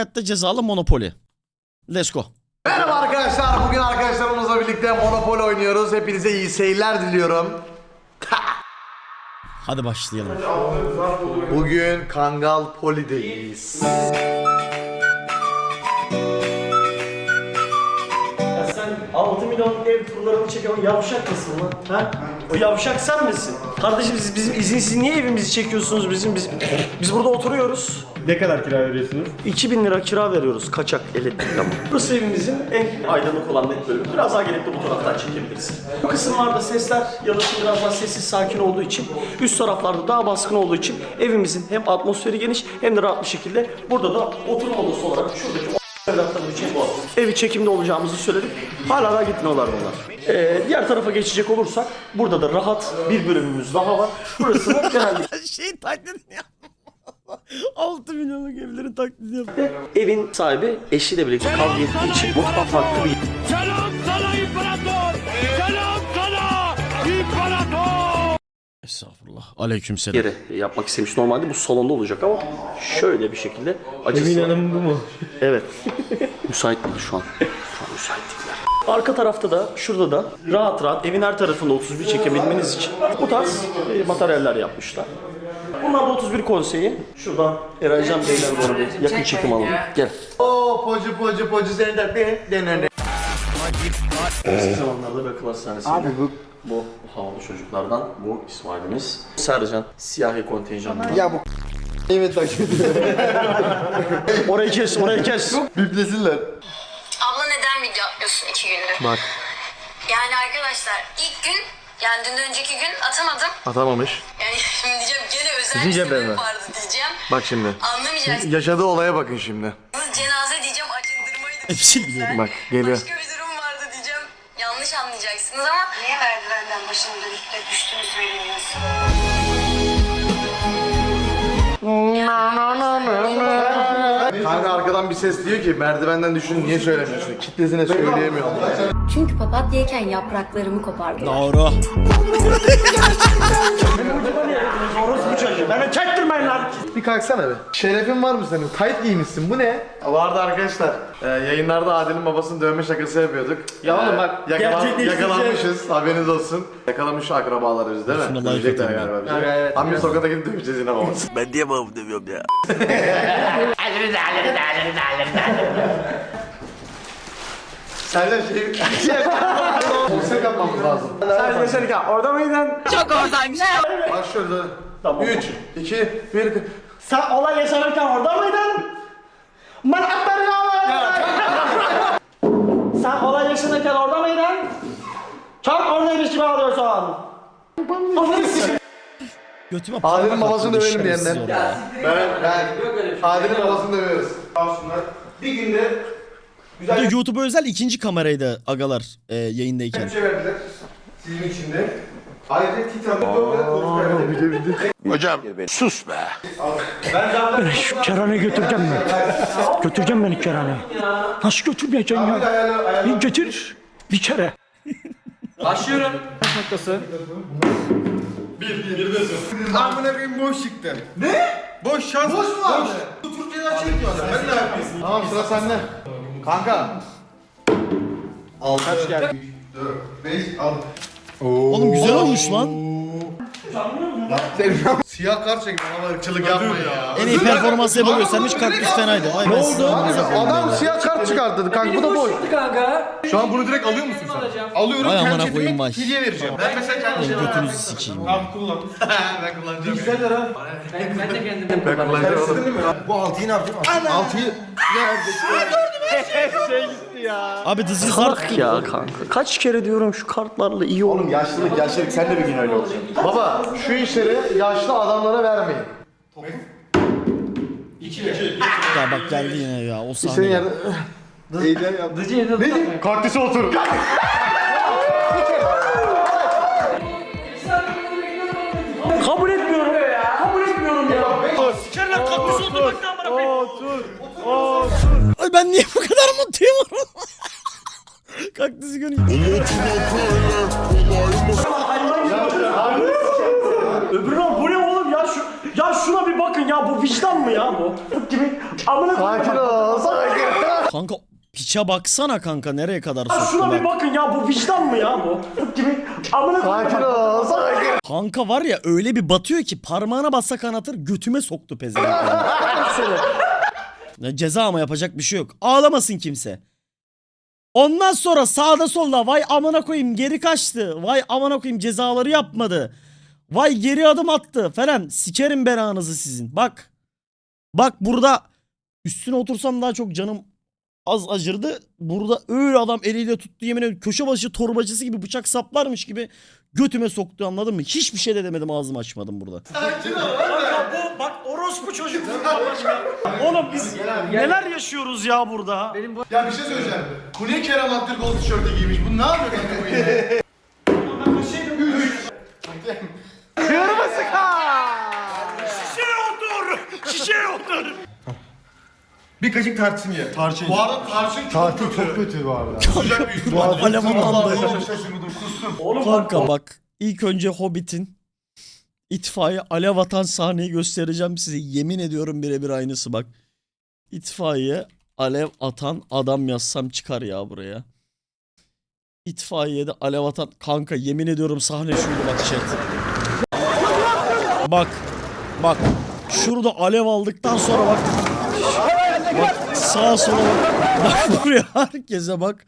Hayatta cezalı Monopoly. Let's go. Merhaba arkadaşlar. Bugün arkadaşlarımızla birlikte Monopoly oynuyoruz. Hepinize iyi seyirler diliyorum. Hadi başlayalım. Bugün Kangal Poli'deyiz. Ya sen 6 milyon ev turlarını çeken o yavşak mısın lan? Ha? O yavşak sen misin? Kardeşim siz bizim izinsiz niye evimizi çekiyorsunuz biz burada oturuyoruz. Ne kadar kira veriyorsunuz? 2000 lira kira veriyoruz kaçak elektrik ama. Burası evimizin en aydınlık olan net bölümü. Biraz daha gelip de bu taraftan çekebiliriz. Bu kısımlarda sesler yalıtım biraz daha sessiz sakin olduğu için, üst taraflarda daha baskın olduğu için evimizin hem atmosferi geniş hem de rahat bir şekilde burada da oturma odası olarak şuradaki evlatlarım için bu evi çekimde olacağımızı söyledik. Hala daha gitmiyorlar bunlar. Diğer tarafa geçecek olursak burada da rahat bir bölümümüz daha var. Burası da genellikle Şey taklidini yap. 6 milyonluk evlerin taklidini yap. evin sahibi eşiyle birlikte kavga ettiği için mutfak farklı bir Selam sana imparator! Selam sana imparator! Estağfurullah. Aleykümselam. yere yapmak istemiş. Normalde bu salonda olacak ama şöyle bir şekilde açısı Emin var. Hanım bu mu? Evet. Müsait değil şu an. Şu an müsait değiller. Arka tarafta da şurada da rahat evin her tarafında 31 çekebilmeniz için bu tarz materyaller yapmışlar. Bunlar da 31 konseyi. Şuradan Eraycan Beyler doğru bir yakın çekim alalım. Gel. Oo pocu seni de denene. Eski zamanlarda bir akıl hastanesi. Abi bu havalı çocuklardan bu İsmail'imiz. Sercan siyahi kontenjanından. Ya bu evet takip ediyor. Orayı kes. Biplesinler. Abla neden video atmıyorsun 2 gündür? Bak. Yani arkadaşlar ilk gün yani dünden önceki gün atamadım. Atamamış. Yani şimdi diyeceğim gene özel Sizin bir cebine sebep mi? vardı diyeceğim. Bak şimdi. Anlamayacaksınız. Yaşadığı olaya bakın şimdi. Cenaze diyeceğim acındırmaydı. Hepsini biliyorum. Bak geliyor. Başka bir durum vardı diyeceğim. Yanlış anlayacaksınız ama. Niye merdivenden başını dönüp de düştünüz bilmiyorsun? Kanka arkadan bir ses diyor ki merdivenden düşün niye söylemiyorsun? Kitlesine söyleyemiyorum. Çünkü papatyayken yapraklarımı kopardılar. Doğru. Orası bu çocuğu. Beni çektirmeyin lan. Bir kalksana be. Şerefin var mı senin? Tayt giymişsin. Bu ne? Vardı arkadaşlar. Yayınlarda Adil'in babasını dövme şakası yapıyorduk. Ya oğlum bak, gerçekleştirecek. yakalanmışız. Haberiniz olsun. Yakalamış akrabalarız değil mi? Şuna like Dövecekler atayım galiba bizi. Evet. Abi sokakta gidip döveceğiz yine babası. Ben niye babamı demiyorum ya? Senden konser yapmamız lazım. Sen yaşarken orada mıydın? Bak şöyle. Tamam. 3, 2, 1. Sen olay yaşanırken orada mıydın? Ben Sen olay yaşanırken orada mıydın? Çok oradaymış gibi alıyorsun. Götüme Adil'in parmak babasını attı, dövelim şerefsiz diyenler. oraya. Ben Adil'in babasını dövüyoruz. Bir günde Bu da YouTube'a özel ikinci kameraydı agalar yayındayken. şey verdiler. Sizin için de. Ayrıca Titan'da 4 tane konuşma verdik. Hocam sus be! Şu kerane götüreceğim ben. Götüreceğim beni kerane. Nasıl götürmeyeceksin ya? Bir getir. Bir kere. Amına koyayım boş çıktı. Ne? Boş şans. Boş mu abi? Türkiye'den çekiyorlar. Ben ne yapayım? Tamam sıra sende. Kanka. 6 kaç geldi? 4 5 6. Oğlum güzel olmuş lan. Siyah kart çekme ama ırkçılık yapma ya. En iyi performansı yapı göstermiş kaktüs fenaydı. Vay ben size amınıza koyayım Adam böyle. siyah kart çıkarttı kanka bu da boş. Şu an bunu direkt alıyor musun sen? Alıyorum, Vay kendi amına cebime koyayım vay. hediye vereceğim. Ben mesela kendi Benim götünüzü sikeyim. Ben kullanacağım. Bu 6'yı ne yapacağım? 6'yı Abi this is Salak hard. ya kanka. Kaç kere diyorum şu kartlarla iyi olur. Oğlum yaşlılık sen de bir gün öyle olacaksın. Baba şu işleri yaşlı adamlara vermeyin. Ya bak geldi yine ya o Senin sahne. yerde... Eğlen yap. Ne? Kaktüse otur. Kabul etmiyorum. Kabul etmiyorum ya. Sikerler kaktüsü oturmak ne amına koyayım. Ay ben niye bu kadar mutluyum? Kaktüsü görünce. Öbürü bu ne oğlum ya şuna bir bakın ya bu vicdan mı ya bu? Gibi amına Sakin ol. Kanka piça baksana kanka nereye kadar Şuna bir soktular. bakın ya, bu vicdan mı ya bu? Gibi amına koyayım. Kanka var ya öyle bir batıyor ki parmağına bassa kanatır götüme soktu pezevenk. Ya ceza ama yapacak bir şey yok. Ağlamasın kimse. Ondan sonra sağda solda vay amına koyayım geri kaçtı. Vay amına koyayım cezaları yapmadı. Vay geri adım attı falan. Sikerim belanızı sizin. Bak. Bak burada üstüne otursam daha çok canım az acırdı. Burada öyle adam eliyle tuttu, yemin ediyorum köşe başı torbacısı gibi bıçak saplarmış gibi götüme soktu, anladın mı? Hiçbir şey de demedim, ağzımı açmadım burada. Kanka bu bak orospu çocuk. Oğlum biz neler yaşıyoruz ya burada? Ya bir şey söyleyeceğim. Bu niye Kerem Aktürkoğlu tişörtü giymiş? Bu ne yapıyor kanka bu yine? Şişeye otur. Bir kaşık tarçın ye. Tarçın. Bu arada tarçın çok kötü bu arada. Sıcak bir üstü. Alev atandı. Şaşırmadım kustum. Oğlum Kanka bak ilk önce Hobbit'in itfaiye alev atan sahneyi göstereceğim size. Yemin ediyorum birebir aynısı bak. İtfaiye alev atan adam yazsam çıkar ya buraya. İtfaiyede alev atan kanka yemin ediyorum sahne şuydu bak chat. Bak. Bak. Şurada alev aldıktan sonra bak. Bak sağa sola bak. Bak buraya herkese bak.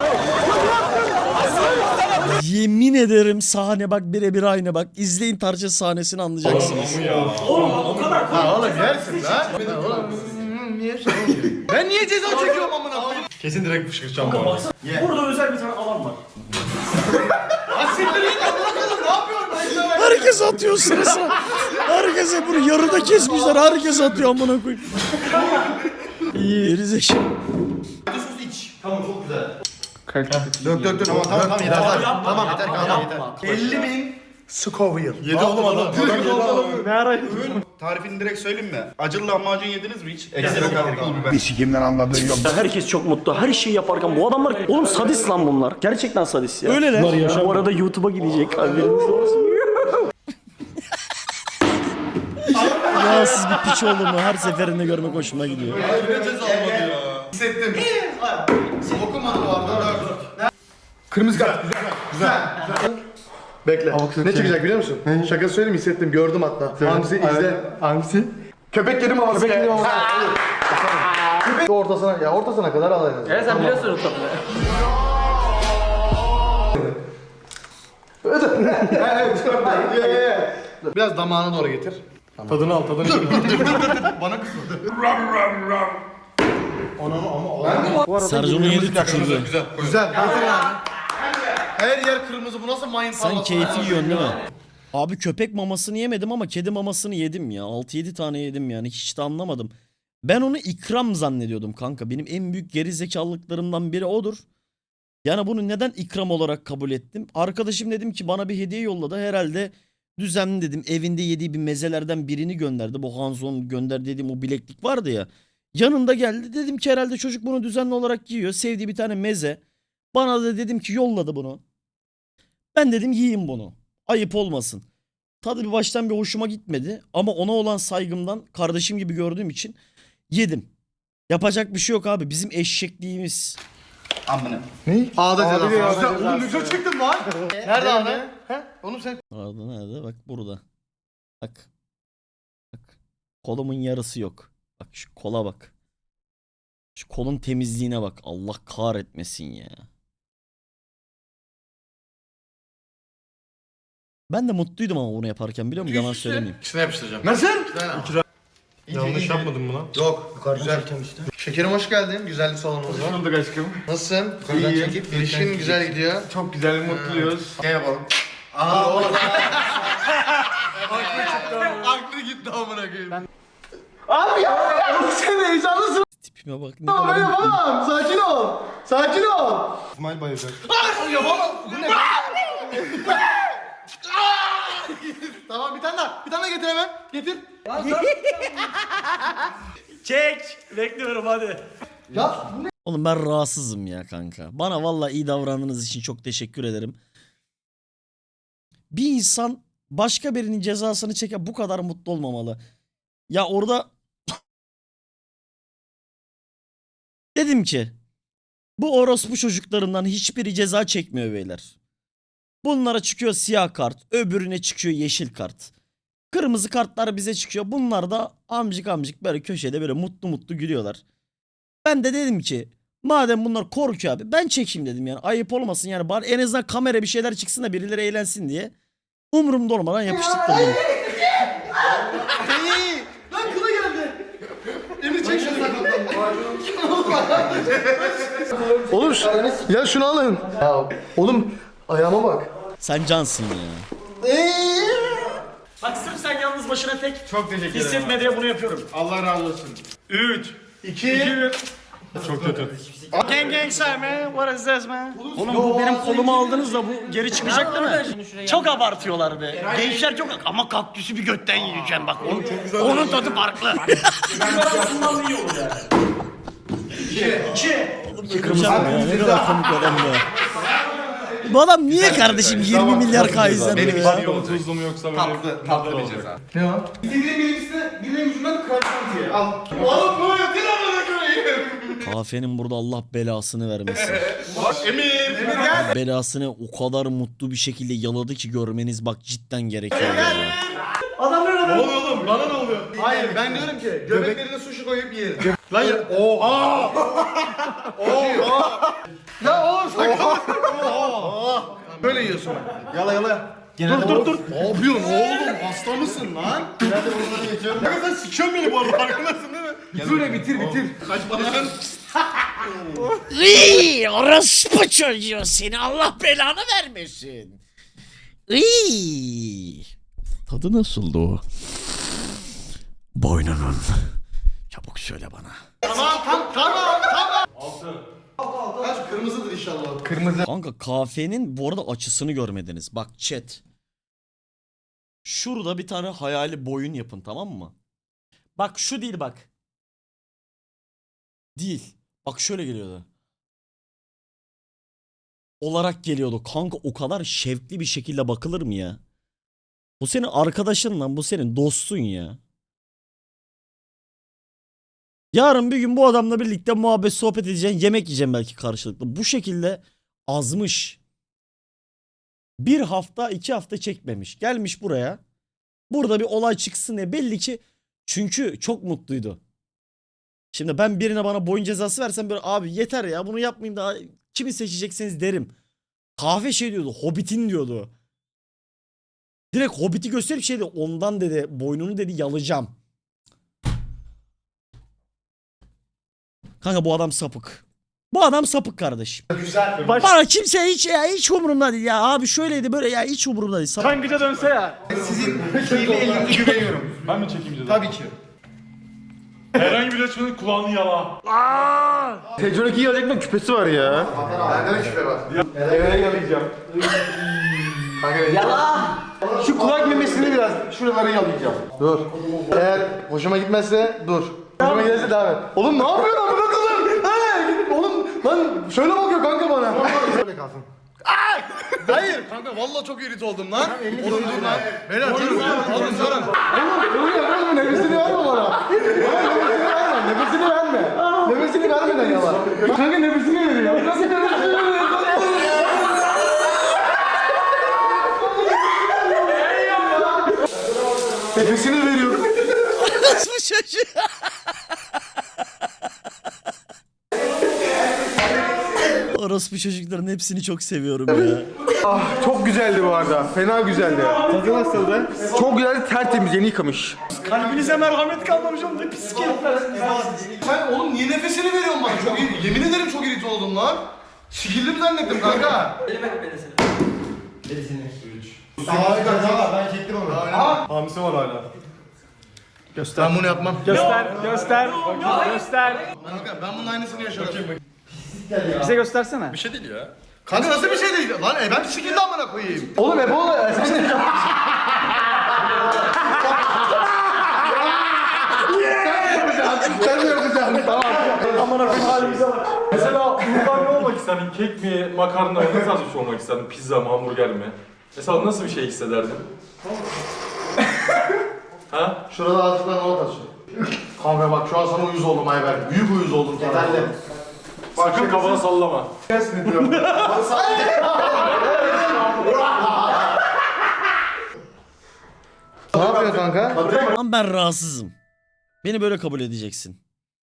Yemin ederim sahne bak birebir aynı bak. İzleyin tarça sahnesini anlayacaksınız. oğlum o kadar. Ha oğlum yersin lan. Ben niye ceza çekiyorum amına koyayım? Kesin direkt fışkıracağım bu arada. Burada özel bir tane alan var. Herkes atıyor sırası. Herkese bunu yarıda kesmişler. Herkes atıyor amına koyayım. İyi. Gerizekalı. Tamam çok güzel. Dök tamam yeter tamam yeter kanka yeter. 50.000 Scoville. Yedi oğlum adam. Ne ara? Tarifini direkt söyleyeyim mi? Acılı lahmacun yediniz mi hiç? Ekstra katkılı biber. Bir sikimden anladığın yok. Herkes çok mutlu. Her şeyi yaparken bu adamlar oğlum sadist lan bunlar. Gerçekten sadist ya. Öyleler. Bu arada YouTube'a gidecek. Haberiniz olsun. Yağsız bir piç oldu mu her seferinde görmek hoşuma gidiyor. Ne ceza almadı ya. Hissettim. Okumadı bu arada. Kırmızı kart. Güzel. Bekle. Ne çıkacak biliyor musun? Şaka söyleyeyim, hissettim, gördüm hatta. Hangisi izle. Hangisi? Köpek kedi maması. Köpek kedi maması. Köpek ortasına, ya ortasına kadar al en azından. Evet sen biliyorsun o tabii. Biraz damağına doğru getir. Tadını al, tadını. Bana kızdı. Sercan'ın yedi tükürdü. Güzel. Her yer kırmızı. Bu nasıl mayın Sen tarlası? keyfi yiyorsun değil mi? Abi köpek mamasını yemedim ama kedi mamasını yedim ya. 6-7 tane yedim yani. Hiç de anlamadım. Ben onu ikram zannediyordum kanka. Benim en büyük gerizekalılıklarımdan biri odur. Yani bunu neden ikram olarak kabul ettim? Arkadaşım dedim ki bana bir hediye yolladı. Herhalde düzenli dedim. Evinde yediği bir mezelerden birini gönderdi. Bu Hanzo'nun gönderdiği dediğim o bileklik vardı ya. Yanında geldi. Dedim ki herhalde çocuk bunu düzenli olarak yiyor. Sevdiği bir tane meze. Bana da dedim ki yolladı bunu. Ben dedim yiyeyim bunu. Ayıp olmasın. Tadı bir baştan bir hoşuma gitmedi. Ama ona olan saygımdan kardeşim gibi gördüğüm için yedim. Yapacak bir şey yok abi. Bizim eşekliğimiz. Amına. Ağda cezası. Güzel. Oğlum ne güzel çıktın lan. Nerede ağda? He? Oğlum sen. Nerede nerede? Bak burada. Bak. Bak. Kolumun yarısı yok. Bak şu kola bak. Şu kolun temizliğine bak. Allah kahretmesin ya. Ben de mutluydum ama bunu yaparken biliyor musun? Yalan söylemeyeyim. İçine yapıştıracağım. Nasıl? Yanlış yapmadın mı lan? Yok. Güzel. Şekerim hoş geldin. Güzellik salonumuza. Hoş bulduk aşkım. Nasılsın? İyiyim. İlişkin güzel gidiyor. Çok güzel, mutluyuz. Ne yapalım? Aha orada. Aklı gitti amına koyayım. Abi ya! Sen heyecanlısın. Tipime bak ne Ama ben kadar mutluyum. yapamam. Sakin ol. Sakin ol. İsmail bayılacak. Yapamam. Bu ne? Tamam, bir tane daha. Bir tane daha getir hemen. Getir. Çek. Bekliyorum hadi. Ya bu ne? Oğlum ben rahatsızım ya kanka. Bana vallahi iyi davrandığınız için çok teşekkür ederim. Bir insan başka birinin cezasını çeker bu kadar mutlu olmamalı. Ya orada dedim ki Bu orospu çocuklarından hiçbiri ceza çekmiyor beyler. Bunlara çıkıyor siyah kart, öbürüne çıkıyor yeşil kart. Kırmızı kartlar bize çıkıyor. Bunlar da amcık amcık böyle köşede böyle mutlu mutlu gülüyorlar. Ben de dedim ki madem bunlar korkuyor abi ben çekeyim dedim yani. Ayıp olmasın yani bari en azından kamera bir şeyler çıksın da birileri eğlensin diye. Umurumda olmadan yapıştırdım. Lan kılı geldi. Emir çek şunu. Oğlum ya şunu alın. Ya, oğlum ayağıma bak. Sen cansın ya. Bak sırf sen yalnız başına tek Çok teşekkür ederim. hissetme diye bunu yapıyorum. Allah razı olsun. 3, 2, 1. Çok kötü. Gang say man, what is this man? Oğlum bu benim kolumu aldınız da bu geri çıkacak değil mi? Çok abartıyorlar be. Gençler çok ama kaktüsü bir götten yiyeceğim bak. Onun tadı farklı. Arasından iyi olur yani. 2. Kırmızı ya ne kadar komik adam ya. Bu adam niye kardeşim 20 milyar K izlemiyor ya? Tuzlu mu yoksa böyle tatlı bir ceza. Ne o? İstediğin birincisine birinin ucundan krantantiye. Al. Oğlum bu ya dinamına koyayım. Kahvenin burada Allah belasını vermesin. Emir gel. Belasını o kadar mutlu bir şekilde yaladı ki görmeniz bak cidden gerekiyor ya. Ne oluyor oğlum? Bana ne oluyor? Hayır ben diyorum ki göbeklerine sushi koyup yiyelim. Lan ya. Oha. Ya oğlum sakın. Böyle yiyorsun. Yala yala. Dur. Ne yapıyorsun oğlum? Hasta mısın lan? Genelde bunları geçiyorum. Ya sen sikiyorsun beni bu arada farkındasın değil mi? Dur bitir. Kaçma lan. Iy, orospu çocuğu seni Allah belanı vermesin. Iy. Tadı nasıldı o? Boynunun. Çabuk söyle bana. Tamam. Kaç kırmızıdır inşallah. Kırmızı. Kanka kahvenin bu arada açısını görmediniz. Bak chat. Şurada bir tane hayali boyun yapın tamam mı? Bak şu değil bak. Değil. Bak şöyle geliyordu. Olarak geliyordu. Kanka o kadar şevkli bir şekilde bakılır mı ya? Bu senin arkadaşın lan. Bu senin dostun ya. Yarın bir gün bu adamla birlikte muhabbet sohbet edeceksin. Yemek yiyeceğim belki karşılıklı. Bu şekilde azmış. 1 hafta 2 hafta çekmemiş. Gelmiş buraya. Burada bir olay çıksın diye belli ki çünkü çok mutluydu. Şimdi ben birine bana boyun cezası versem böyle abi yeter ya bunu yapmayayım daha kimi seçecekseniz derim. Kahve şey diyordu Hobbit'in diyordu. Direkt Hobbit'i gösterip şey dedi ondan dedi boynunu dedi yalayacağım. Kanka bu adam sapık. Bu adam sapık kardeşim. Güzel. Bana kimse hiç umurumda değil ya abi şöyleydi böyle ya hiç umurumda değil. Sapık. Tangıca dönse ya. Sizin kirli elinize güveniyorum. Ben mi çekeyim ceza? Tabii ki. Herhangi bir açmanın kulağını yala. Tecrübeki yalayacak küpesi var ya. Bende de küpe var. Eve yalayacağım. Yala. Şu kulak memesini biraz şuraları yalayacağım. Dur. Eğer hoşuma gitmezse dur. Hoşuma giderse devam et. Oğlum ne yapıyorsun amına koyayım? Oğlum lan şöyle bakıyor kanka bana. Şöyle kalsın. Hayır kanka vallahi çok irrit oldum lan. Oğlum dur lan. Beyler durun. Oğlum durun. Oğlum yapma nefesini verme bana. Nefesini verme. Nefesini vermeden yala. Kanka nefesini veriyor. Nasıl nefesini veriyor? Nefesini veriyor. Nasıl bu çocuğu? Orospu çocukların hepsini çok seviyorum ya. Ah çok güzeldi bu arada. Fena güzeldi. Tadı nasıldı? Çok güzeldi tertemiz yeni yıkamış. Kalbinize merhamet kalmamış oğlum ne pis herifler. Sen oğlum niye nefesini veriyorsun bana? Çok iyi. Yemin ederim çok irrit oldum lan. Sikildim zannettim kanka. Ben çektim onu. Hamisi var hala. Ben bunu yapmam. Göster. Kanka ben bunun aynısını yaşadım. Bize göstersene. Bir şey değil ya. Kanka nasıl bir şey değil lan? Ben sikildi amına koyayım. Oğlum Ebola sen mi yapacaksın? Tamam. Aman akım halimize bak. Mesela buradan ne olmak isterdin? Kek mi, makarna mı, ne tarz bir şey olmak isterdin? Pizza mı, hamburger mi? Mesela nasıl bir şey hissederdin? Ha? Şurada ağzından not açıyor. Kanka bak şu an sana uyuz oldum Ayber. Büyük uyuz oldum sana. Yeterli. Sakın kafanı sallama. Ne yapıyor kanka? Lan ben rahatsızım. Beni böyle kabul edeceksin.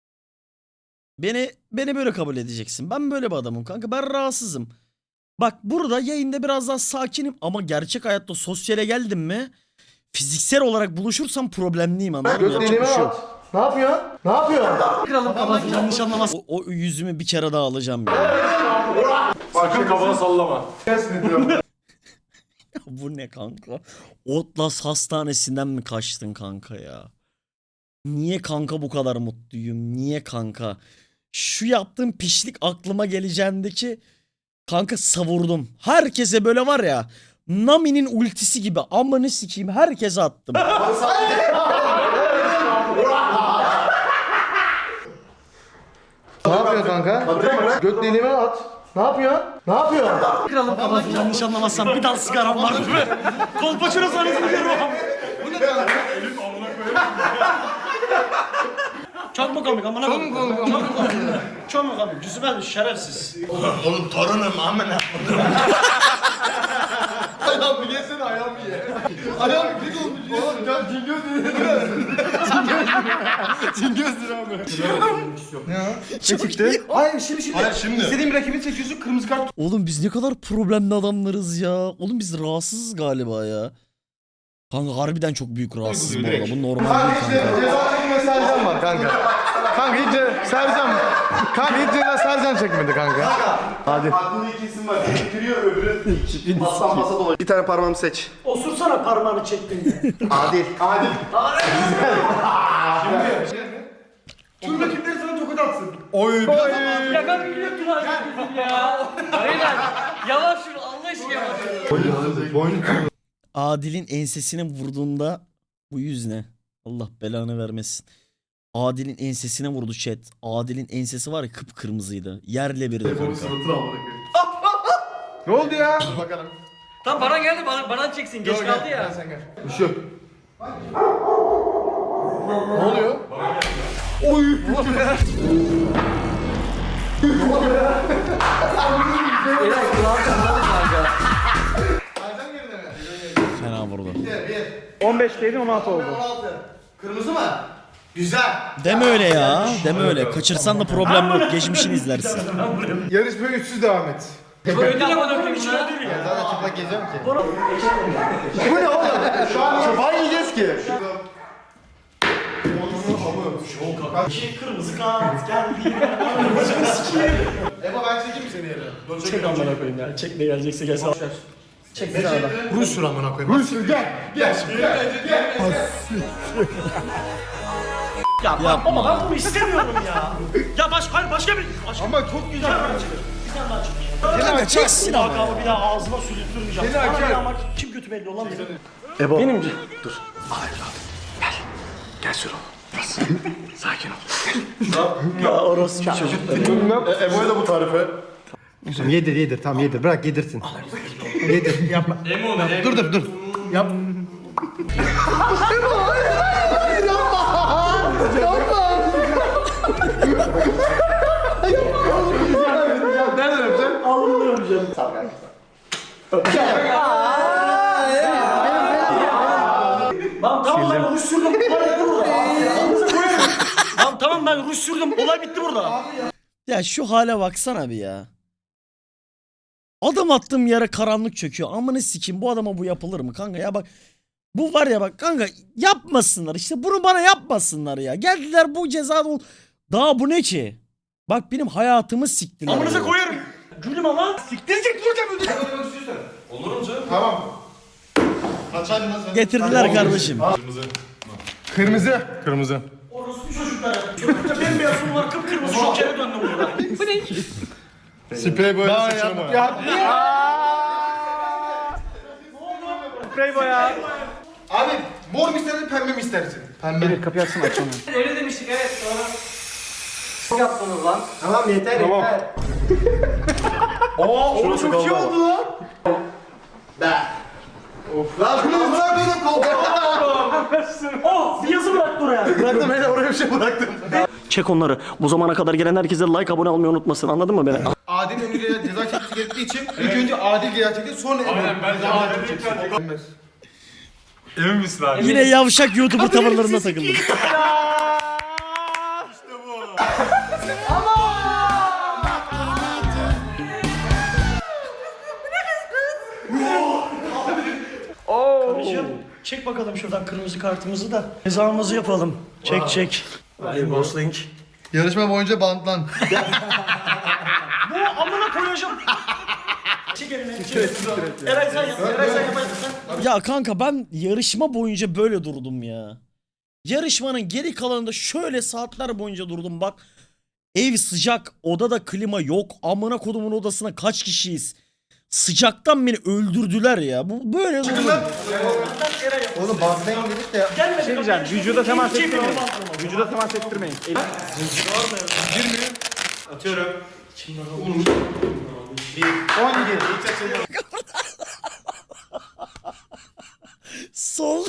Beni böyle kabul edeceksin. Ben böyle bir adamım kanka. Ben rahatsızım. Bak burada yayında biraz daha sakinim ama gerçek hayatta sosyale geldim mi fiziksel olarak buluşursam problemliyim, anladın mı? Yapacak bir şey yok. Ne yapıyor? Ne yapıyor? Yanlış anlamaz. O yüzümü bir kere daha alacağım ya. Sakın kafanı sallama. Bu ne kanka? Otlas Hastanesi'nden mi kaçtın kanka ya? Niye kanka bu kadar mutluyum? Niye kanka? Şu yaptığım pişlik aklıma geleceğindeki kanka savurdum. Herkese böyle var ya, Nami'nin ultisi gibi amanı sikeyim herkese attım. Ne yapıyor kanka? Göt deliğime at. Ne yapıyor? Ne yapıyor? Yanlış anlamazsam bir dal sigaram var değil mi? Kolpaçino sanatını görüyorum. Çok mu komik amına koyayım? Çok mu komik? Çok mu komik? Cüzüme şerefsiz. Oğlum torunum amına. Ayağım bir yesene ayağım bir ye. Ayağım bir olmuş. Oğlum ya cingöz Cingözdür abi. Ne çıktı? Hayır şimdi. İstediğim rakibi seçiyorsun kırmızı kart. Oğlum biz ne kadar problemli adamlarız ya. Oğlum biz rahatsızız galiba ya. Kanka harbiden çok büyük rahatsızım bu arada. Bu normal Kanka değil işte kanka. ceza çekme Sercan var kanka. Kanka hiç Sercan. Kanka hiç ceza Sercan çekmedi kanka. Hadi. Aklında iki isim var. Biri giriyor öbürü mastan masa dolaşıyor. Bir tane parmağımı seç. Osursana parmağını çektin. Adil. Adil. Tüm rakipleri sana tokat atsın. Ya ben biliyorum ya. Beyler yavaş yürü Allah aşkına yavaş. Adil'in ensesine vurduğunda bu yüz ne? Allah belanı vermesin. Adil'in ensesine vurdu chat. Adil'in ensesi var ya kıpkırmızıydı. Yerle birdi kanka. Ne oldu ya? Bakalım. Tam Baran geldi Baran çeksin geç kaldı ya. Sen gel. Bir şey yok. Ne oluyor? Fena vurdu. 15'teydi 16 oldu. 16. Kırmızı mı? Güzel. Deme öyle ya. Deme öyle. Kaçırsan da problem yok. Geçmişini izlersin. Yarışmaya 300 devam et. Ödül ama döküm için ödül ya. Zaten çıplak geziyorum ki. Bu ne oğlum? Şu an çoban yiyeceğiz ki. Kırmızı kart geldi. Eba ben çekeyim mi seni yere? Çek amına koyayım ya. Çek ne gelecekse gelsin. Çek bir tane daha. Rus şuran bana koyayım. Rus gel. Gel. Ya bak ama ben bunu istemiyorum ya. Ya başka bir... Ama çok güzel. Bir tane daha çek. Kanka çeksin ama. Lakabı bir daha ağzıma sürüttürmeyeceğim. Seni Bana açar. ama kim kötü belli olan benim. Ebo. Benim Dur. Gel şuraya. Sakin ol. ya orası bir çocuk. Ebo'ya da bu tarife. Yedir tamam yedir bırak yedirsin. Yedir yapma. Dur. Yap. Nereden öpeceksin? Alınmıyorum canım. Tamam ben ruj sürdüm. Olay bitti burada. Tamam ben ruj sürdüm. Olay bitti burada. Ya şu hale baksana bir ya. Adım attığım yere karanlık çöküyor. Amına sikeyim bu adama bu yapılır mı kanka ya bak. Bu var ya bak kanka yapmasınlar işte bunu bana yapmasınlar ya. Geldiler bu ceza daha bu ne ki? Bak benim hayatımı siktiler. Amınıza ya. koyarım. Gülüm ama. Tamam. Kaçaydın lan sen. Getirdiler kardeşim. Kırmızı. Orospu çocuklar. Çocukta bembeyazım var kıpkırmızı şokere döndüm burada. Sprey böyle saçına boya. Sprey boya. Abi mor mu istersin pembe mi istersin? Pembe. Kapıyı açsana açsana. Öyle demiştik evet sonra. Yaptınız lan. Tamam yeter yeter. Oğlum çok iyi oldu lan. Lan amına koydum koltuğa. Oh bir yazı bıraktı oraya. Bıraktım hele oraya bir şey bıraktım. Çek onları. Bu zamana kadar gelen herkese like, abone olmayı unutmasın. Anladın mı beni? Adil Emir'e ceza çekmesi gerektiği için ilk önce Adil ceza çekti sonra Emir. Aynen, bence Adil çekecek. Emin misin abi? Yine yavşak YouTuber tavırlarına takıldım. Karıcığım çek bakalım şuradan kırmızı kartımızı da cezamızı yapalım. Çek çek. Hayır Gosling. Yarışma boyunca bantlan. Bu amına koyacağım. Çek elini. Eray sen yap. Eray sen yaparsın. Ya kanka ben yarışma boyunca böyle durdum ya. Yarışmanın geri kalanında şöyle saatler boyunca durdum bak. Ev sıcak, odada klima yok. Amına kodumun odasına kaç kişiyiz? Sıcaktan beni öldürdüler ya. Bu böyle durdum. Oğlum bantlayın dedik de. Gelmedi. Şey diyeceğim. Vücuda temas ettirmeyin. Vücuda temas ettirmeyin. Atıyorum. 17. Sol.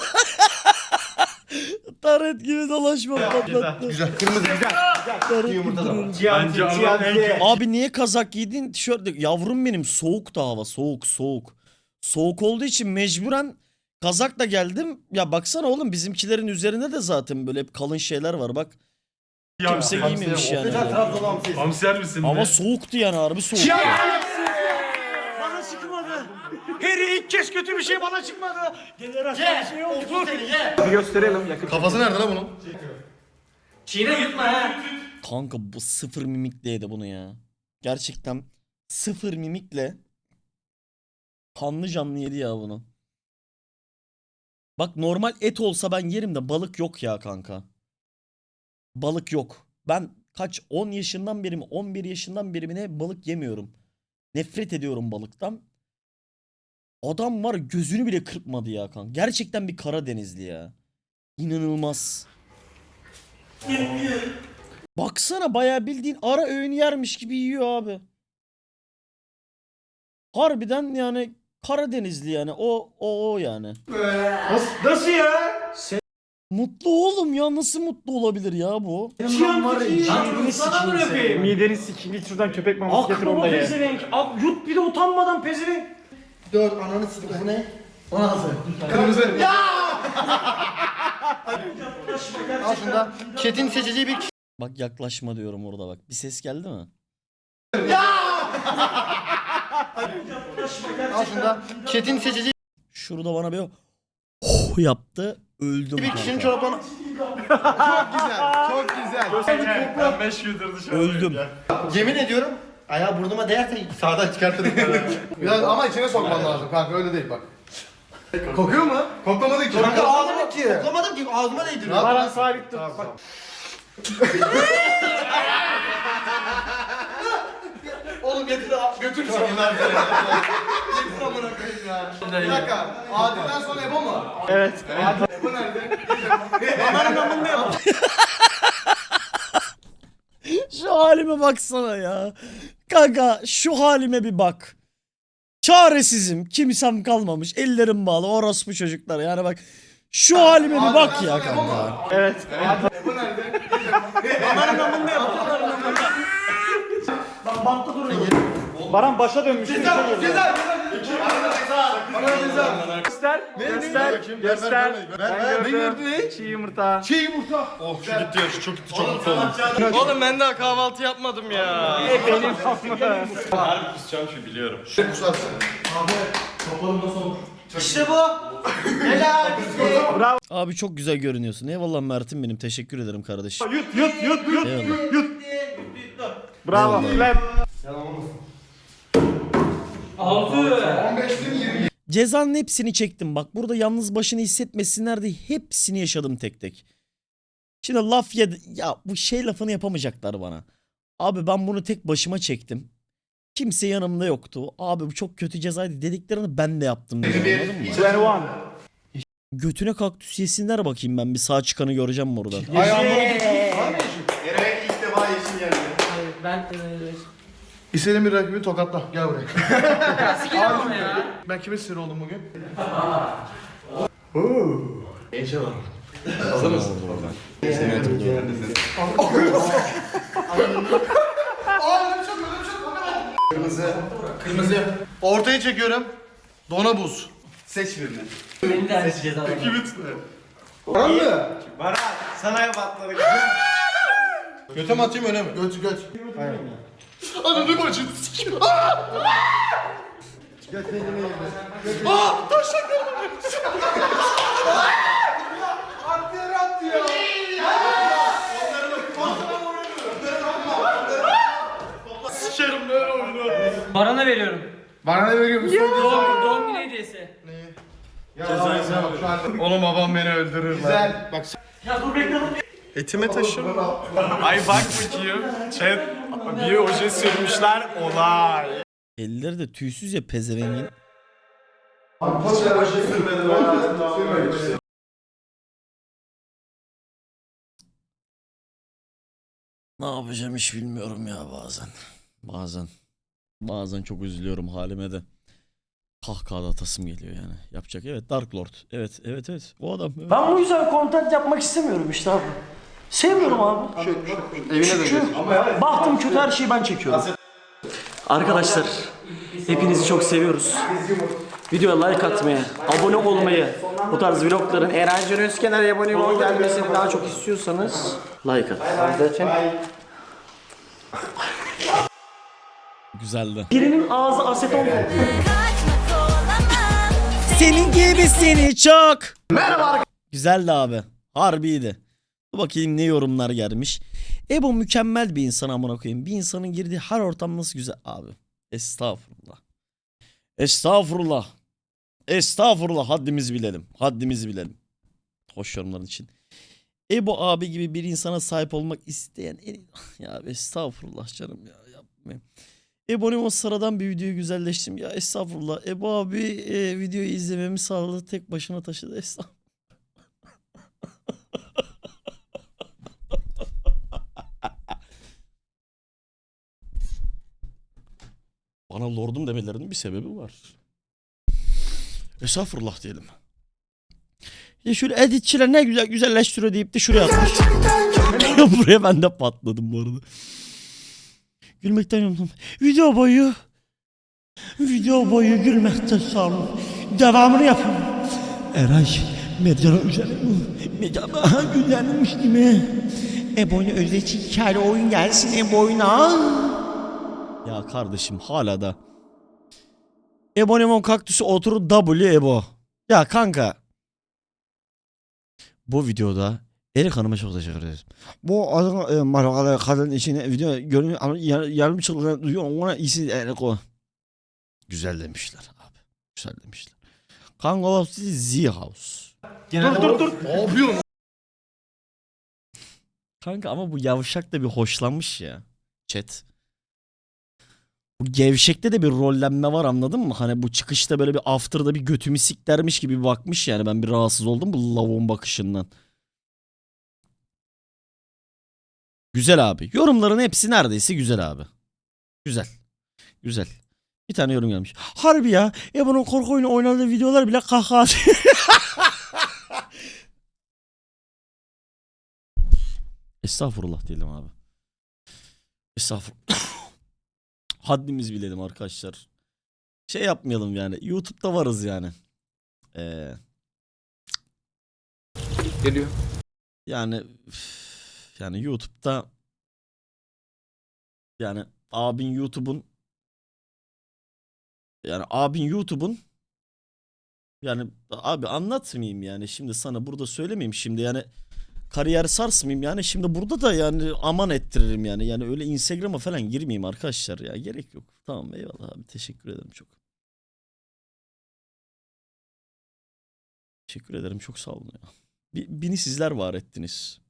Taret gibi dolaşma patlattı. Güzel. Kırmızı güzel. Yumurta da var. Bence Abi niye kazak giydin? Tişört. Yavrum benim soğuk da hava. Soğuk. Soğuk olduğu için mecburen kazakla geldim. Ya baksana oğlum bizimkilerin üzerinde de zaten böyle hep kalın şeyler var bak. Kimse giymemiş yani. hamsiyer misin? Ama soğuktu yani harbi soğuk. Bana çıkmadı. Harry ilk kez kötü bir şey bana çıkmadı. Generasyon şey oldu. Bir gösterelim yakın. Kafası nerede lan bunun? Çiğne yutma ha. Kanka bu sıfır mimikle yedi bunu ya. Gerçekten sıfır mimikle kanlı canlı yedi ya bunu. Bak normal et olsa ben yerim de balık yok ya kanka. Balık yok. Ben kaç 10 yaşından beri mi 11 yaşından beri mi ne balık yemiyorum. Nefret ediyorum balıktan. Adam var gözünü bile kırpmadı ya kanka. Gerçekten bir Karadenizli ya. İnanılmaz. Baksana bayağı bildiğin ara öğün yermiş gibi yiyor abi. Harbiden yani Karadenizli yani o yani. Nasıl ya? Mutlu oğlum ya nasıl mutlu olabilir ya bu? Çiğan var ya. Çiğnini sikeyim. Mideni sikeyim. Git şuradan köpek maması getir onu Aklıma da ye. pezevenk. Yut bir de utanmadan pezevenk. 4 ananı sikeyim. Bu ne? 16. Kırmızı. Ya! Al şunda. Chat'in seçeceği bir Bak yaklaşma diyorum orada bak. Bir ses geldi mi? Al şunda. Chat'in seçeceği Şurada bana bir oh yaptı. Öldüm bir kişinin kanka. çoraplarını... Çok güzel. Çok güzel. Ben 5 gündür dışarı. Öldüm. Yemin ediyorum. Ayağı burnuma değerse sağdan çıkartırım. Biraz ama içine sokman lazım kanka öyle değil bak. Kokuyor mu? Koklamadı ki. Kanka ağzıma ki. Koklamadım ki ağzıma değdiriyor. Baran sabit tut. Bak. Oğlum getir götür seni. Getir amına koyayım ya. Bir dakika. Adil'den sonra Ebo mu? Evet. Ebo nerede? Şu halime baksana ya. Kanka şu halime bir bak. Çaresizim. Kimsem kalmamış. Ellerim bağlı. Orospu çocuklar. Yani bak. Şu halime bir bak ya kanka. Evet. Ebo nerede? Bantta duruyor. Baran başa dönmüş. Ceza. Göster. Göster. Ben gördüm. Çiğ yumurta. Çiğ yumurta. Oh şu gitti ya şu çok gitti çok mutlu oldum. Oğlum ben daha kahvaltı yapmadım ya. Benim kafamda. Harbi kusacağım şu biliyorum. İşte bu. Helal. Abi çok güzel görünüyorsun. Eyvallah Mert'im benim. Teşekkür ederim kardeşim. Yut. Eyvallah. Bravo. Eyvallah. Cezanın hepsini çektim. Bak burada yalnız başını hissetmesinler diye hepsini yaşadım tek tek. Şimdi laf yedi. Ya bu şey lafını yapamayacaklar bana. Abi ben bunu tek başıma çektim. Kimse yanımda yoktu. Abi bu çok kötü cezaydı dediklerini ben de yaptım. Dedim, anladın mı? 21. Götüne kaktüs yesinler bakayım ben. Bir sağ çıkanı göreceğim orada. Eren'e ilk defa yeşil geldi. Ben İstediğin bir rakibi tokatla. Gel buraya. sikerim ama ya. Ben kime sinir oldum bugün? Hazır mısın? Seni hatırlıyorum. Kırmızı. Kırmızı. Ortayı çekiyorum. Dona buz. Seç birini. Beni de ceza. Baran mı? Sana yap atladık. Göte mi atayım öne mi? Göt göt. Ananı bacını sikiyor. Göt ne yedim. Baran'a veriyorum. Bana ne veriyor musun? Doğum günü hediyesi. Oğlum babam beni öldürür. Güzel. Bak Ya dur bekle. Etime taşır. Ay bak bakayım. Chat bir oje sürmüşler olay. Elleri de tüysüz ya pezevengin. Ne yapacağım hiç bilmiyorum ya bazen. Bazen çok üzülüyorum halime de. Kahkaha atasım geliyor yani. Yapacak evet Dark Lord. Evet. O adam. Evet. Ben bu yüzden content yapmak istemiyorum işte abi. Sevmiyorum abi. Çünkü bahtım kötü her şeyi ben çekiyorum. Arkadaşlar hepinizi çok seviyoruz. Videoya like atmayı, abone olmayı, bu tarz vlogların Eren Can Özkenar'a abone olmayı gelmesini daha çok istiyorsanız like atın. Güzeldi. Birinin ağzı aseton. Senin gibisini çok. Merhaba. Güzeldi abi. Harbiydi. Dur bakayım ne yorumlar gelmiş. Ebo mükemmel bir insan amına koyayım. Bir insanın girdiği her ortam nasıl güzel abi. Estağfurullah. Haddimizi bilelim. Hoş yorumların için. Ebo abi gibi bir insana sahip olmak isteyen ya estağfurullah canım ya yapmayayım. Ebo'nun o sıradan bir videoyu güzelleştim. Ya estağfurullah. Ebo abi videoyu izlememi sağladı. Tek başına taşıdı. Estağfurullah. Bana lordum demelerinin bir sebebi var. Estağfurullah diyelim. Ya şöyle editçiler ne güzel güzelleştiriyor deyip de şuraya atmış. Buraya ben de patladım bu arada. Gülmekten yandım. Video boyu gülmekten sağ olun. Devamını yapın. Eray medyanın üzerine medyanı güzelmiş değil mi? Ebo'nun özdeki hikaye oyun gelsin Ebo'yuna. Ya kardeşim hala da. Ebonemon kaktüsü oturur W Ebo. Ya kanka. Bu videoda Erik Hanım'a çok teşekkür ederiz. Bu adam marakalı kadın içine video görünüyor ama yarım çılgın duyuyor ona iyisi Erik o. Güzel demişler abi. Güzel demişler. Kanka o Z House. dur. Ne yapıyorsun? Kanka ama bu yavşak da bir hoşlanmış ya. Chat. Bu gevşekte de bir rollenme var anladın mı? Hani bu çıkışta böyle bir after'da bir götümü siklermiş gibi bir bakmış yani. Ben bir rahatsız oldum bu lavuğun bakışından. Güzel abi. Yorumların hepsi neredeyse güzel abi. Güzel. Bir tane yorum gelmiş. Harbi ya. Bunun korku oyunu oynadığı videolar bile kahkaha atıyor. Estağfurullah diyelim abi. Estağfurullah. Haddimizi bilelim arkadaşlar. Şey yapmayalım yani. YouTube'da varız yani. Geliyor. Yani YouTube'da yani abin YouTube'un yani abi anlatmayayım yani şimdi sana burada söylemeyeyim şimdi yani kariyer sarsmayayım yani şimdi burada da yani aman ettiririm yani öyle Instagram'a falan girmeyeyim arkadaşlar ya gerek yok. Tamam eyvallah abi teşekkür ederim çok. Teşekkür ederim çok sağ olun ya. Beni sizler var ettiniz.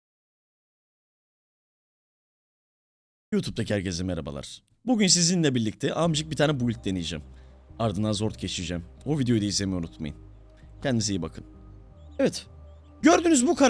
YouTube'daki herkese merhabalar. Bugün sizinle birlikte amcık bir tane build deneyeceğim. Ardından zord geçeceğim. O videoyu da izlemeyi unutmayın. Kendinize iyi bakın. Evet. Gördünüz bu